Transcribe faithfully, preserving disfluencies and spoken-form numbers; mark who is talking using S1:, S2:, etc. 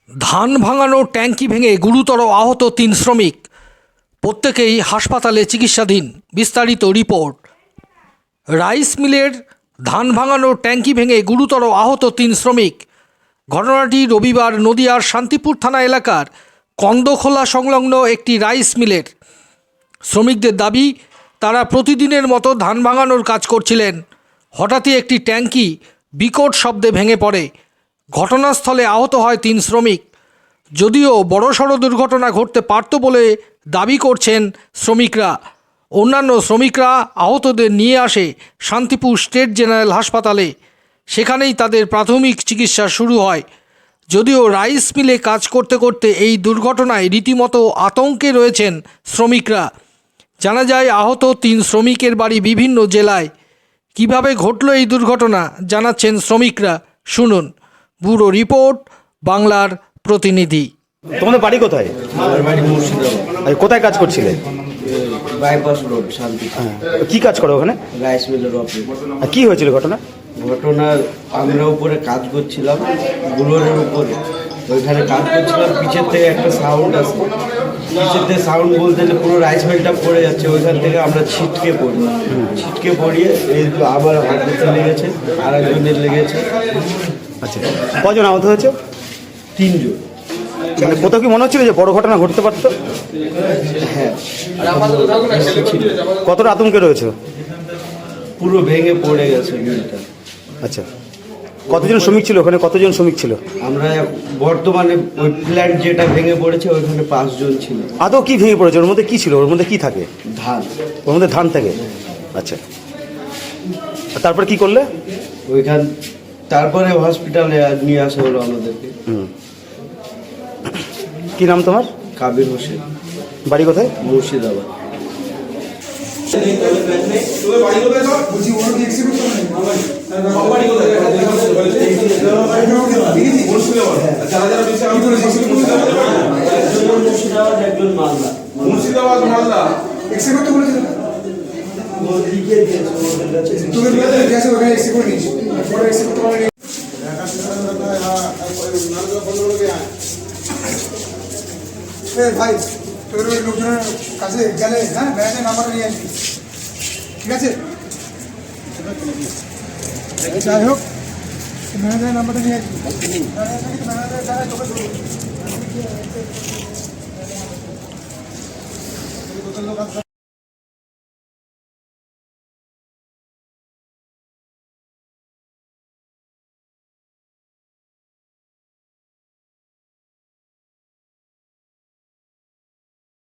S1: ধান ভাঙানো ট্যাঙ্কি ভেঙে গুরুতর আহত তিন শ্রমিক, প্রত্যেকেই হাসপাতালে চিকিৎসাধীন। বিস্তারিত রিপোর্ট। রাইস মিলের ধান ভাঙানো ট্যাঙ্কি ভেঙে গুরুতর আহত তিন শ্রমিক। ঘটনাটি রবিবার নদিয়ার শান্তিপুর থানা এলাকার কন্দখোলা সংলগ্ন একটি রাইস মিলের। শ্রমিকদের দাবি, তারা প্রতিদিনের মতো ধান ভাঙানোর কাজ করছিলেন। হঠাৎই একটি ট্যাঙ্কি বিকট শব্দে ভেঙে পড়ে। ঘটনাস্থলে আহত হয় তিন শ্রমিক। যদিও বড়সড় দুর্ঘটনা ঘটতে পারত বলে দাবি করছেন শ্রমিকরা। অন্যান্য শ্রমিকরা আহতদের নিয়ে আসে শান্তিপুর স্টেট জেনারেল হাসপাতালে। সেখানেই তাদের প্রাথমিক চিকিৎসা শুরু হয়। যদিও রাইস মিলে কাজ করতে করতে এই দুর্ঘটনায় রীতিমতো আতঙ্কে রয়েছেন শ্রমিকরা। জানা যায়, আহত তিন শ্রমিকের বাড়ি বিভিন্ন জেলায়। কিভাবে ঘটল এই দুর্ঘটনা জানাচ্ছেন শ্রমিকরা, শুনুন। ব্যুরো রিপোর্ট, বাংলার প্রতিনিধি।
S2: তোমাদের বাড়ি কোথায়?
S3: আমার বাড়ি মুর্শিদাবাদ।
S2: কোথায় কাজ করছিলে?
S3: বাইপাস রোড, শান্তি।
S2: কি কাজ করো ওখানে?
S3: রাইস মিলের অফিস।
S2: আর কি হয়েছিল ঘটনা?
S3: ঘটনা, আমরা উপরে কাজ করছিলাম বুলোরের উপরে, ওইখানে কাজ করছিলাম। পিছের থেকে একটা সাউন্ড আসে, পিছের থেকে সাউন্ড বলতে গেলে পুরো রাইস মিলটা পড়ে যাচ্ছে। ওইখান থেকে আমরা ছিটকে পড়ি, ছিটকে পড়িয়ে এই আবার হাতে লেগেছে, আর একজনের লেগেছে।
S2: আচ্ছা, কজন আহত হয়েছে?
S3: তিনজন।
S2: মানে কোথাও কি মনে হচ্ছিল যে বড় ঘটনা ঘটতে পারতো?
S3: হ্যাঁ,
S2: কতটা আতঙ্কে রয়েছে?
S3: পুরো ভেঙে পড়ে গেছে মিলটা।
S2: আচ্ছা, কতজন শ্রমিক ছিল ওখানে? কতজন শ্রমিক ছিল?
S3: আমরা বর্তমানে ওই প্ল্যান্ট যেটা ভেঙে পড়েছে ওইখানে পাঁচজন ছিল।
S2: আদৌ কি ভেঙে পড়েছে? ওর মধ্যে কি ছিল? ওর মধ্যে কি থাকে?
S3: ধান।
S2: ওর মধ্যে ধান থাকে। আচ্ছা, তারপর কি করলে?
S3: ওইখান তারপরে হসপিটালে নিয়ে আসা হলো আমাদেরকে।
S2: হুম, কি নাম তোমার?
S3: কাবির হোসেন।
S2: বাড়ি কোথায়?
S3: মুর্শিদাবাদ। একজন মালদা।
S4: মুর্শিদাবাদ মালদা এক্সিকিউট বলেছিল
S3: লিখে দিয়েছে ওদের কাছে।
S4: তুমি বলে গেছো ওখানে এক্সিকিউট নিস পরে এক্সিকিউট করে নি এ ভাই তোর ওই লোকজনের কাছে গেলে হ্যাঁ ম্যানেজার নাম্বার নিয়ে আসবি, ঠিক আছে? যাই হোক, ম্যানেজারের নাম্বারটা নিয়ে আসবি। ম্যানেজার দ্বারা তোকে দেবো।